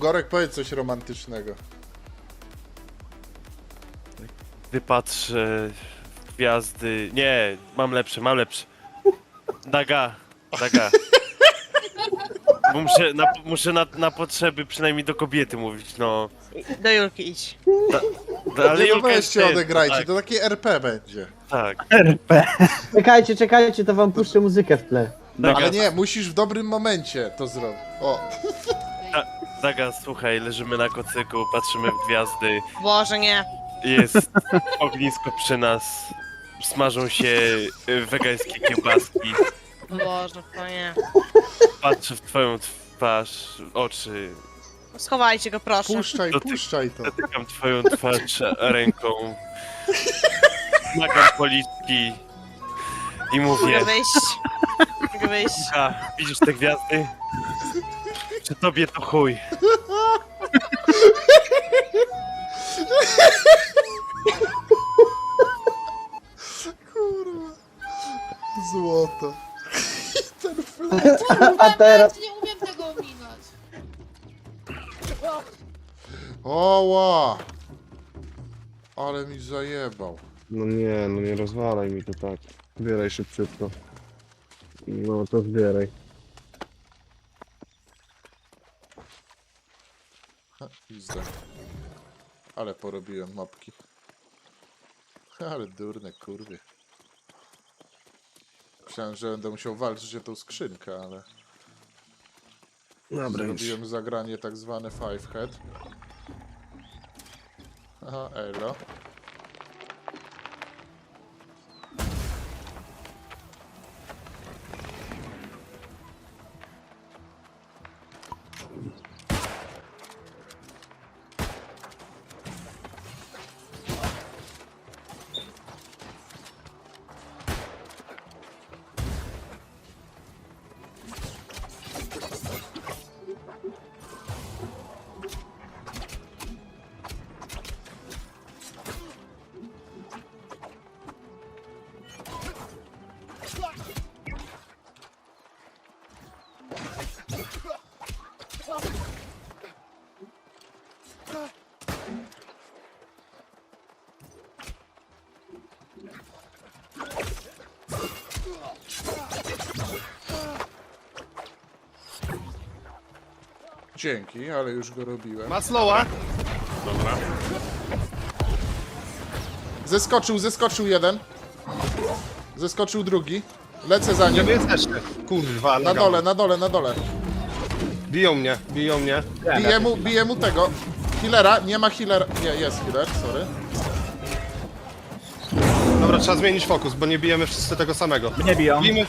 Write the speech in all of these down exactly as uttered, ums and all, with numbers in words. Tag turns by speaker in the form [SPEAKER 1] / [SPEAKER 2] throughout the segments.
[SPEAKER 1] Gorek, powiedz coś romantycznego.
[SPEAKER 2] Wypatrzę w gwiazdy. Nie, mam lepsze, mam lepsze. Daga, daga. Bo muszę, na, muszę na, na potrzeby przynajmniej do kobiety mówić, no.
[SPEAKER 3] Do Julki idź.
[SPEAKER 2] Da, ale
[SPEAKER 1] Nie, no
[SPEAKER 2] Julka jest
[SPEAKER 1] weźcie,
[SPEAKER 2] ten,
[SPEAKER 1] odegrajcie,
[SPEAKER 2] tak,
[SPEAKER 1] to takie R P będzie.
[SPEAKER 2] tak.
[SPEAKER 4] Czekajcie, czekajcie, to wam puszczę muzykę w tle.
[SPEAKER 2] Daga,
[SPEAKER 1] Ale nie, musisz w dobrym momencie to zrobić. O,
[SPEAKER 2] Daga, słuchaj, leżymy na kocyku, patrzymy w gwiazdy.
[SPEAKER 3] Boże, nie.
[SPEAKER 2] Jest ognisko przy nas. Smażą się y, wegańskie kiełbaski.
[SPEAKER 3] Boże, to nie.
[SPEAKER 2] Patrzę w twoją twarz, oczy.
[SPEAKER 3] Schowajcie go, proszę.
[SPEAKER 1] puszczaj,
[SPEAKER 2] To ty-
[SPEAKER 1] puszczaj to.
[SPEAKER 2] Dotykam twoją twarz ręką. Smagam policzki. I mówię,
[SPEAKER 3] Mogę wyjść. Mogę wyjść.
[SPEAKER 2] a, widzisz te gwiazdy? Czy tobie to chuj?
[SPEAKER 1] Kurwa. Złoto. Ten flet.
[SPEAKER 4] A teraz...
[SPEAKER 5] Nie umiem tego ominąć.
[SPEAKER 1] Oła. Ale mi zajebał.
[SPEAKER 6] No nie, no nie rozwalaj mi to tak. Zbieraj szybciutko. No to zbieraj.
[SPEAKER 1] Ha, pizda. Ale porobiłem mapki. Ale durne kurwy. Myślałem, że będę musiał walczyć o tą skrzynkę, ale
[SPEAKER 6] Dobra, już.
[SPEAKER 1] zrobiłem zagranie tak zwane five head. Aha, elo. Dzięki, ale już go robiłem.
[SPEAKER 6] Maslowa!
[SPEAKER 2] Dobra.
[SPEAKER 1] Zeskoczył, zeskoczył jeden. Zeskoczył drugi. Lecę za
[SPEAKER 6] Gdzie
[SPEAKER 1] nim.
[SPEAKER 6] wy jesteście? Kurwa,
[SPEAKER 1] Na dole, na dole, na dole.
[SPEAKER 6] Biją mnie, biją mnie.
[SPEAKER 1] Bije mu, bije mu tego. Healera, nie ma healera. Nie, jest healer, sorry.
[SPEAKER 6] Dobra, trzeba zmienić fokus, bo nie bijemy wszyscy tego samego.
[SPEAKER 4] Mnie biją.
[SPEAKER 6] Bijmy...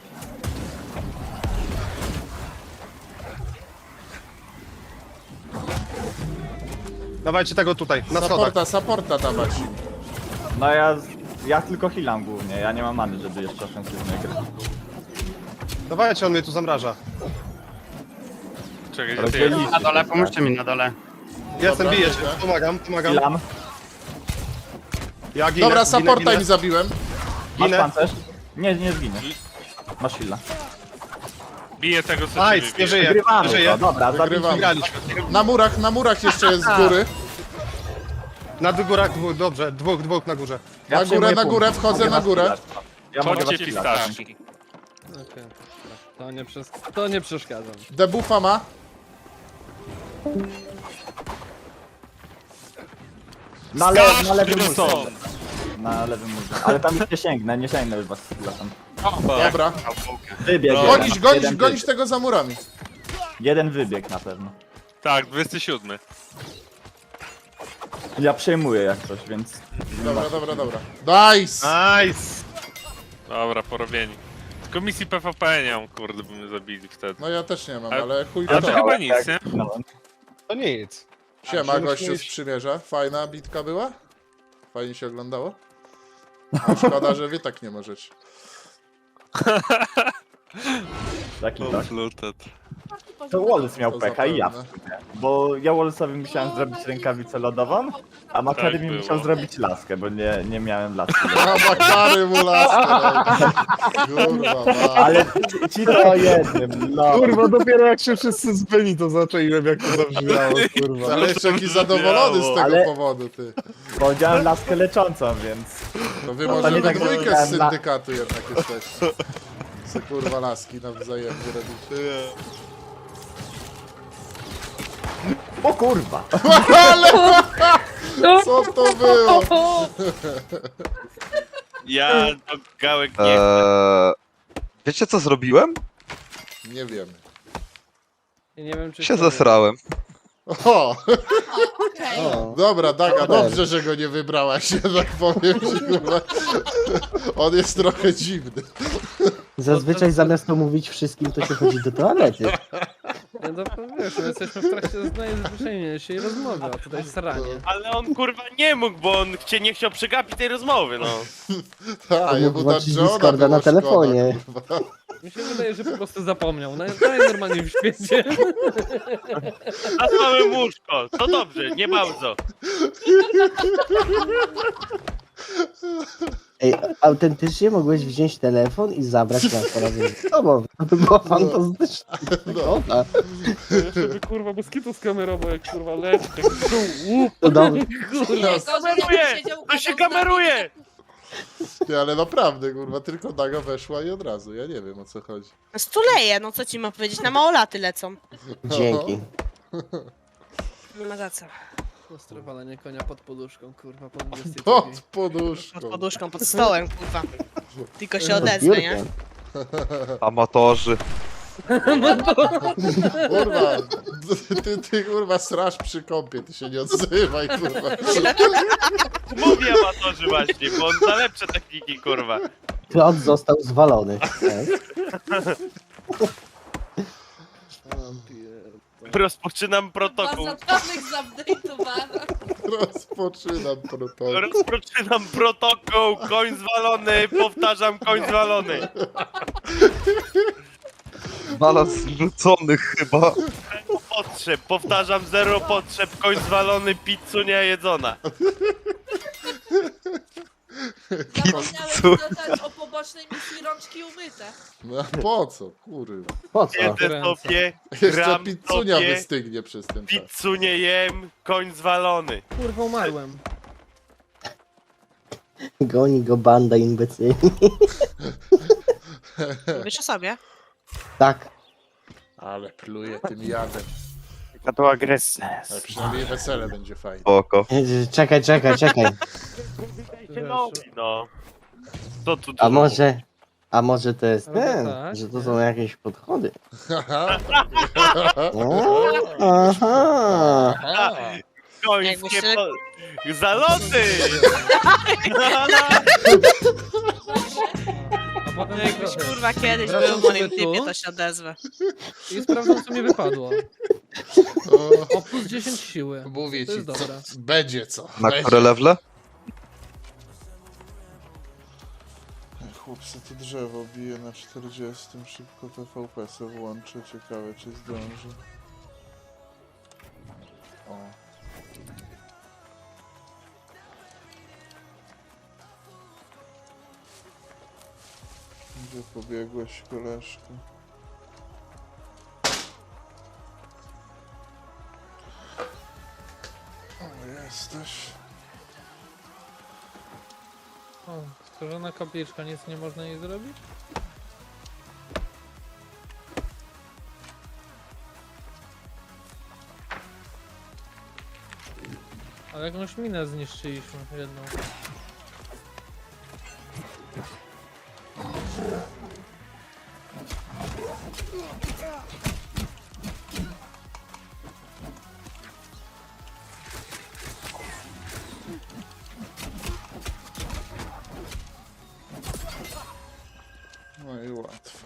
[SPEAKER 6] Dawajcie tego tutaj, na schodach.
[SPEAKER 1] Supporta, supporta dawać.
[SPEAKER 7] No ja, ja tylko healam głównie, ja nie mam many, żeby jeszcze ofensywnie grać.
[SPEAKER 6] Dawajcie, on mnie tu zamraża.
[SPEAKER 2] Czekaj, gdzie ty
[SPEAKER 7] Rozdzielić
[SPEAKER 2] jesteś?
[SPEAKER 8] Na dole, pomóżcie mi na dole.
[SPEAKER 6] Jestem, biję cię,
[SPEAKER 1] biegnę.
[SPEAKER 6] pomagam, pomagam.
[SPEAKER 7] Healam.
[SPEAKER 6] Ja ginę,
[SPEAKER 1] Dobra,
[SPEAKER 6] ginę,
[SPEAKER 1] supporta
[SPEAKER 6] ginę.
[SPEAKER 1] im zabiłem.
[SPEAKER 7] Masz
[SPEAKER 6] Ginę.
[SPEAKER 7] pancerz? Nie, nie zginiesz. Masz heala.
[SPEAKER 2] Biję tego, co
[SPEAKER 6] Aj,
[SPEAKER 2] ciebie
[SPEAKER 6] nie
[SPEAKER 2] bije.
[SPEAKER 6] żyje, nie
[SPEAKER 7] Wygrywamy
[SPEAKER 6] żyje.
[SPEAKER 7] to, dobra, zabijmy.
[SPEAKER 1] Wygrywamy.
[SPEAKER 6] Wygraliśmy.
[SPEAKER 1] Na murach, na murach jeszcze jest z góry.
[SPEAKER 6] Na górach dwóch, dobrze, dwóch, dwóch na górze.
[SPEAKER 7] Ja
[SPEAKER 1] Na górę,
[SPEAKER 7] przejmuję
[SPEAKER 1] na
[SPEAKER 7] punkt.
[SPEAKER 1] górę, wchodzę
[SPEAKER 7] Mogę
[SPEAKER 1] na
[SPEAKER 7] was
[SPEAKER 1] górę.
[SPEAKER 7] healać. Ja mogę was
[SPEAKER 2] Chodźcie
[SPEAKER 7] healać.
[SPEAKER 2] pistaszki.
[SPEAKER 9] Okej, to nie, przes to nie przeszkadzam.
[SPEAKER 1] Debuffa ma.
[SPEAKER 7] Na, le na lewym
[SPEAKER 2] Skacz,
[SPEAKER 7] murze. Na lewym murze. Ale tam już nie sięgnę, nie sięgnę już was z healem.
[SPEAKER 1] Dobra.
[SPEAKER 7] Wybieg.
[SPEAKER 1] Gonić,
[SPEAKER 7] jeden.
[SPEAKER 1] gonić,
[SPEAKER 7] Jeden
[SPEAKER 1] gonić
[SPEAKER 7] wybieg.
[SPEAKER 1] tego za murami.
[SPEAKER 7] Jeden wybieg na pewno.
[SPEAKER 2] Tak, dwudziesty siódmy.
[SPEAKER 7] Ja przejmuję jak coś, więc...
[SPEAKER 1] Dobra, dobra, dobra. Nice!
[SPEAKER 6] Nice!
[SPEAKER 2] Dobra, porobieni. Tylko misji P V P nie mam, kurde, by mnie zabili wtedy.
[SPEAKER 1] No ja też nie mam,
[SPEAKER 2] A-
[SPEAKER 1] ale chuj
[SPEAKER 2] Ale
[SPEAKER 1] to.
[SPEAKER 2] to chyba nic, nie?
[SPEAKER 7] No,
[SPEAKER 6] To nic.
[SPEAKER 1] Siema,
[SPEAKER 6] A,
[SPEAKER 1] gościu z
[SPEAKER 6] musimy iść-
[SPEAKER 1] przymierza. Fajna bitka była? Fajnie się oglądało? A szkoda, że wy tak nie możecie.
[SPEAKER 7] taki tak.
[SPEAKER 2] Flutet.
[SPEAKER 7] To Wallace miał
[SPEAKER 1] To
[SPEAKER 7] pecha i ja.
[SPEAKER 1] zapewne.
[SPEAKER 7] Bo ja Wallace'owi musiałem zrobić rękawicę lodową, a Makary
[SPEAKER 2] Tak
[SPEAKER 7] mi
[SPEAKER 2] było.
[SPEAKER 7] musiał zrobić laskę, bo nie, nie miałem laski.
[SPEAKER 1] A Makary mu laskę. Kurwa, ma.
[SPEAKER 7] Ale ci- ci to o jednym, no.
[SPEAKER 6] Kurwa, dopiero jak się wszyscy zbyli, to zaczęliłem jak to zabrzmiało, kurwa.
[SPEAKER 1] Ale jeszcze jaki zadowolony z tego
[SPEAKER 7] Ale-
[SPEAKER 1] powodu, ty.
[SPEAKER 7] Bo miałem laskę leczącą, więc...
[SPEAKER 1] To wy
[SPEAKER 7] No,
[SPEAKER 1] może
[SPEAKER 7] to nie
[SPEAKER 1] we
[SPEAKER 7] tak, że
[SPEAKER 1] dwójkę z
[SPEAKER 7] dałem la-
[SPEAKER 1] syndykatu jednak jesteście. Se kurwa laski nawzajem robicie.
[SPEAKER 7] O kurwa!
[SPEAKER 1] Co to było?
[SPEAKER 2] Ja do gałek nie chcę.
[SPEAKER 5] Eee, wiecie co zrobiłem?
[SPEAKER 1] Nie wiemy.
[SPEAKER 9] I nie wiem, czy
[SPEAKER 5] Się
[SPEAKER 9] to-
[SPEAKER 5] zesrałem.
[SPEAKER 1] O!
[SPEAKER 8] Okej.
[SPEAKER 4] O,
[SPEAKER 1] Dobra, Daga,
[SPEAKER 4] Dobra.
[SPEAKER 1] dobrze, że go nie wybrałaś, jednak powiem ci, kurwa. On jest trochę dziwny.
[SPEAKER 4] zazwyczaj zamiast to mówić wszystkim, to się chodzi do toalety.
[SPEAKER 9] Nie, no, wiesz, my jesteśmy w trakcie najzwyczajniejszej rozmowy, a tutaj sranie.
[SPEAKER 2] Ale on kurwa nie mógł, bo on chcie, nie chciał przegapić tej rozmowy, no.
[SPEAKER 1] A, jemu
[SPEAKER 4] mógł
[SPEAKER 1] na
[SPEAKER 4] włączyć
[SPEAKER 1] Johna
[SPEAKER 4] Discorda
[SPEAKER 1] było
[SPEAKER 4] na telefonie.
[SPEAKER 1] Szkoda, kurwa.
[SPEAKER 9] Mi się wydaje, że po prostu zapomniał. Naj, najnormalniej w świecie.
[SPEAKER 2] A mamy łóżko, to dobrze, nie bardzo.
[SPEAKER 4] Ej, autentycznie mogłeś wziąć telefon i zabrać nas razem z tobą. To by było fantastyczne. Dobra.
[SPEAKER 9] Jeszcze by kurwa moskitu skamerował, jak kurwa leci. Tak, łup,
[SPEAKER 4] To dobrze.
[SPEAKER 9] kurwa.
[SPEAKER 2] Kameruje! To się kameruje!
[SPEAKER 1] Ty, ale naprawdę, kurwa, tylko Daga weszła i od razu, ja nie wiem o co chodzi.
[SPEAKER 3] Stuleje, no co ci ma powiedzieć, na małolaty lecą.
[SPEAKER 4] Dzięki.
[SPEAKER 3] Nie ma za co.
[SPEAKER 9] Ostre walenie konia pod poduszką, kurwa, pod dwudziestej
[SPEAKER 1] Pod
[SPEAKER 9] drugiej.
[SPEAKER 1] poduszką.
[SPEAKER 3] Pod poduszką, pod stołem, kurwa. Tylko się odezwę, nie?
[SPEAKER 4] Biurkiem.
[SPEAKER 5] Amatorzy.
[SPEAKER 1] Kurwa, ty, ty kurwa srasz przy kąpie, ty się nie odzywaj, kurwa.
[SPEAKER 2] Mówię amatorzy właśnie, bo on za lepsze techniki, kurwa.
[SPEAKER 4] Klot został zwalony. Tak.
[SPEAKER 2] Rozpoczynam protokół.
[SPEAKER 8] Baza danych zupdate'owana.
[SPEAKER 1] Rozpoczynam protokół.
[SPEAKER 2] Rozpoczynam protokół, koń zwalony, powtarzam, koń zwalony.
[SPEAKER 5] Balans zrzuconych chyba.
[SPEAKER 2] Zero potrzeb, powtarzam, zero potrzeb, koń zwalony, pizzu nie jedzona.
[SPEAKER 8] Zapomniałem dodać o pobocznej misji rączki umyte.
[SPEAKER 1] No a po co, kurwa.
[SPEAKER 4] Po co?
[SPEAKER 2] Jedzę
[SPEAKER 9] Ręce.
[SPEAKER 2] sobie,
[SPEAKER 1] Jeszcze
[SPEAKER 2] gram
[SPEAKER 1] pizzunia
[SPEAKER 2] sobie,
[SPEAKER 1] wystygnie przez ten czas.
[SPEAKER 2] pizzu nie jem, koń zwalony.
[SPEAKER 9] Kurwa, umarłem.
[SPEAKER 4] Goni go banda imbecyli.
[SPEAKER 3] Wiesz o sobie?
[SPEAKER 4] Tak.
[SPEAKER 1] Ale pluje tym jadem.
[SPEAKER 2] Jaka to agresja.
[SPEAKER 1] Ale przynajmniej wesele będzie fajne.
[SPEAKER 5] Spoko.
[SPEAKER 4] Czekaj, czekaj, czekaj.
[SPEAKER 2] No. Co tu
[SPEAKER 4] A może... A może to jest
[SPEAKER 9] Albo
[SPEAKER 4] ten,
[SPEAKER 9] tak,
[SPEAKER 4] że to
[SPEAKER 9] nie?
[SPEAKER 4] są jakieś podchody.
[SPEAKER 1] Haha.
[SPEAKER 4] O, aha.
[SPEAKER 2] Końskie
[SPEAKER 3] Jakbyście-
[SPEAKER 2] po... Zaloty!
[SPEAKER 9] A potem
[SPEAKER 3] Jakbyś kurwa kiedyś
[SPEAKER 9] Wracam
[SPEAKER 3] był w moim
[SPEAKER 9] sobie tu.
[SPEAKER 3] typie, to się odezwę.
[SPEAKER 9] I sprawdzam, co mi wypadło.
[SPEAKER 1] O,
[SPEAKER 9] O, plus dziesięć siły.
[SPEAKER 1] mówię
[SPEAKER 9] To
[SPEAKER 1] ci,
[SPEAKER 9] jest
[SPEAKER 1] co,
[SPEAKER 9] dobre.
[SPEAKER 1] będzie co.
[SPEAKER 5] Na
[SPEAKER 1] będzie.
[SPEAKER 5] które lewle?
[SPEAKER 1] Chłopcy, to drzewo bije na czterdziestym. Szybko T V P se włączę. Ciekawe, czy zdąży. O. Gdzie pobiegłeś, koleżko? O, jesteś.
[SPEAKER 9] O, stworzona kapliczka, nic nie można jej zrobić? Ale jakąś minę zniszczyliśmy, jedną.
[SPEAKER 1] No i łatwo.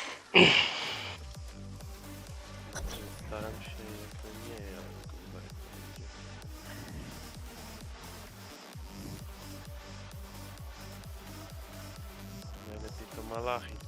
[SPEAKER 2] Staram się, jak nie, ale kurwa. Malachit.